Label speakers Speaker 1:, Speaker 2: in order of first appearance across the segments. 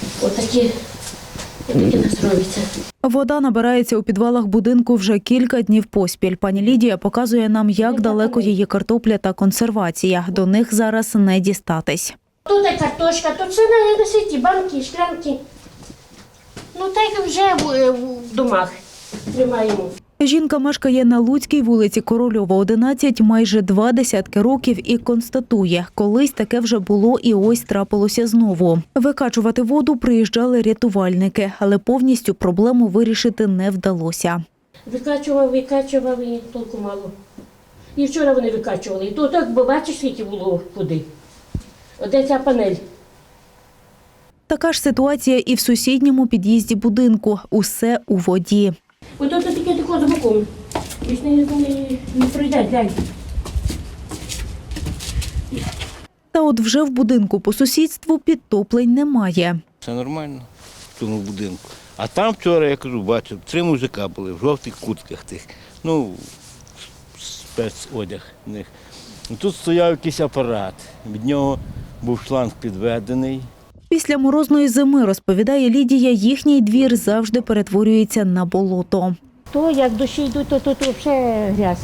Speaker 1: Отакі нас робиться.
Speaker 2: Вода набирається у підвалах будинку вже кілька днів поспіль. Пані Лідія показує нам, як далеко її картопля та консервація. До них зараз не дістатись.
Speaker 1: Тут є картошка, тут все на світі, банки, шклянки. Ну так вже в домах тримаємо.
Speaker 2: Жінка мешкає на Луцькій вулиці Корольова, 11, майже 2 десятки років і констатує, колись таке вже було і ось трапилося знову. Викачувати воду приїжджали рятувальники, але повністю проблему вирішити не вдалося.
Speaker 1: Викачував і толку мало. І вчора вони викачували. І то так, бо бачиш, скільки було води. Оде ця панель.
Speaker 2: Така ж ситуація і в сусідньому під'їзді будинку. Усе у воді.
Speaker 1: Ось тут таке тако за боком. Більш не пройде, глянь.
Speaker 2: Та от вже в будинку по сусідству підтоплень немає.
Speaker 3: Все нормально в тому будинку. А там вчора, я кажу, бачив, 3 мужика були в жовтих куртках тих, ну, спецодяг в них. Тут стояв якийсь апарат, від нього був шланг підведений.
Speaker 2: Після морозної зими, розповідає Лідія, їхній двір завжди перетворюється на болото.
Speaker 1: То як дощі йдуть, то тут взагалі грязь.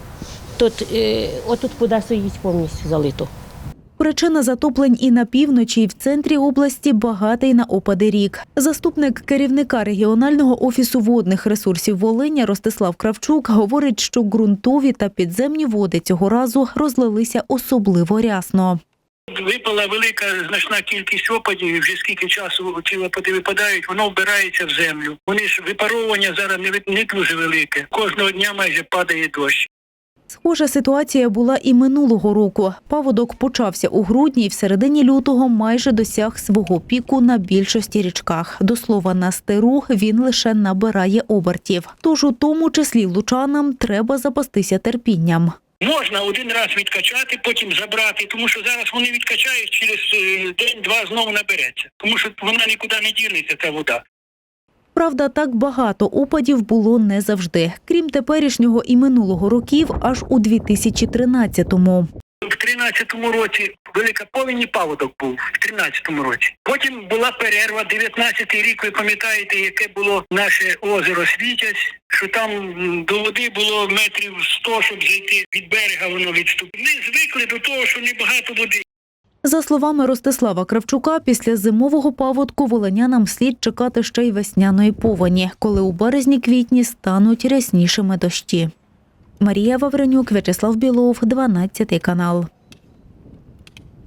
Speaker 1: Отут вода стоїть повністю залито.
Speaker 2: Причина затоплень і на півночі, і в центрі області багатий на опади рік. Заступник керівника регіонального офісу водних ресурсів Волиня Ростислав Кравчук говорить, що ґрунтові та підземні води цього разу розлилися особливо рясно.
Speaker 4: Випала велика значна кількість опадів, і вже скільки часу ці опади випадають, воно вбирається в землю. Вони ж випаровування зараз не дуже велике. Кожного дня майже падає дощ.
Speaker 2: Схожа ситуація була і минулого року. Паводок почався у грудні і в середині лютого майже досяг свого піку на більшості річках. До слова, на Стеру він лише набирає обертів. Тож у тому числі лучанам треба запастися терпінням.
Speaker 4: Можна один раз відкачати, потім забрати, тому що зараз вони відкачають, через день-два знову набереться. Тому що вона нікуди не дінеться, ця вода.
Speaker 2: Правда, так багато опадів було не завжди. Крім теперішнього і минулого років, аж у 2013-му.
Speaker 4: В 13-му році велика повінь і паводок був, в 13-му році. Потім була перерва, 19-й рік, ви пам'ятаєте, яке було наше озеро Світязь, що там до води було метрів 100, щоб зайти від берега, воно відступило. Ми звикли до того, що небагато води.
Speaker 2: За словами Ростислава Кравчука, після зимового паводку волинянам слід чекати ще й весняної повені, коли у березні-квітні стануть ряснішими дощі. Марія Вавренюк, В'ячеслав Білов, 12 канал.